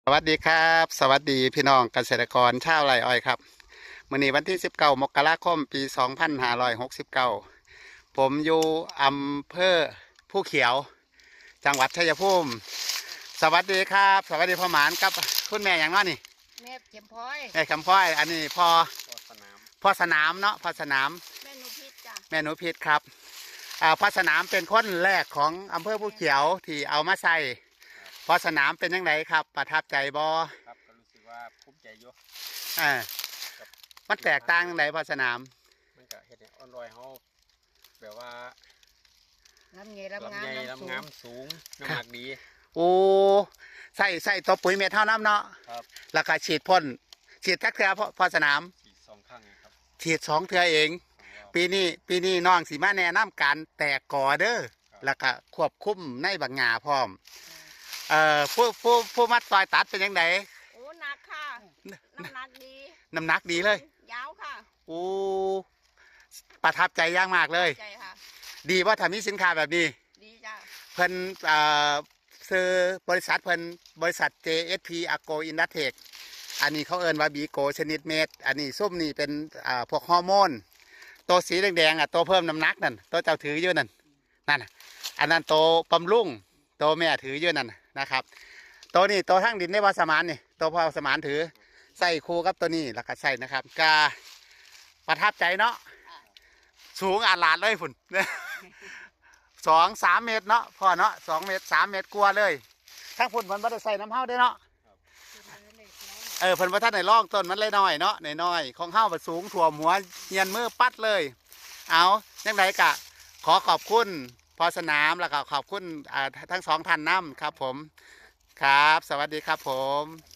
สวัสดีครับสวัสดีพี่น้องเกษตรกรชาวไร่อ้อยครับมื้อนี้วันที่19มกราคมปี2569ผมอยู่อำเภอผู้เขียวจังหวัดชัยภูมิสวัสดีครับสวัสดีพ่อหมานครับคุณแม่อย่างน้อยนี่แม่เข็มพลอยแม่คำพ้อยอันนี้พ่อสนามเนาะพ่อสนามแม่หนูพิษจ้ะแม่หนูพิษครับพ่อสนามเป็นคนแรกของอำเภอผู้เขียวที่เอามาใส่พ่อสนามเป็นยังไงครับประทับใจบ่ครับก็รู้สึกว่าภูมิใจอยู่อ่ามันแตกต่างยังไงพ่อสนามมันก็เห็ดให้อ่อนรอยเขาแบบว่าลำใหญ่ลำงามลำงามสูงน้ำหนักดีโอ้ใส่ตัวปุ๋ยเม็ดเท่าน้ำเนาะครับแล้วก็ฉีดพ่นฉีดทักเทือพ่อสนามฉีด2 ครั้งครับฉีด2 เทือเองปีนี้น้องสีมาแนะนำการแตกกอเด้อแล้วก็ควบคุมในบางงาพร้อมผู้มัดซอยตัดเป็นยังไงโอ้หนักค่ะน้ำหนักดีน้ำหนักดีเลยยาวค่ะโอ้ประทับใจอย่างมากเลยใจค่ะดีว่าทำมีสินค้าแบบนี้ดีจ้ะเพิ่นซื้อบริษัทเพิ่นบริษัท JSP Agro Industech อันนี้เขาเอิ้นว่าบีโกชนิดเม็ดอันนี้ส้มนี่เป็นพวกฮอร์โมนตัวสีแดงๆตัวเพิ่มน้ำหนักนั่นตัวเจ้าถืออยู่นั่นอันนั้นตัวบำรุงตัวแม่ถืออยู่นั่นนะครับตัวนี้ตัวทั้งดินในวาสมานนี่ตัวพ่อสมานถือใส่คู่กับตัวนี้แล้วก็ใส่นะครับกาประทับใจเนาะสูงอาลาดเลยฝุ่น2-3 เมตรเนาะพ่อเนาะ2 เมตร 3 เมตรกลัวเลยทั้งฝุ่นมันไม่ได้ใส่น้ำเฮาได้เนาะเพิ่นว่าท่านในร่องต้นมันเลยน้อยเนาะน้อยของเฮามันสูงถ่วมหัวเงียนมือปัดเลยเอายังไงกะขอขอบคุณพอสนามแล้วก็ขอบคุณทั้ง2 ท่านน้ำครับผมครับสวัสดีครับผม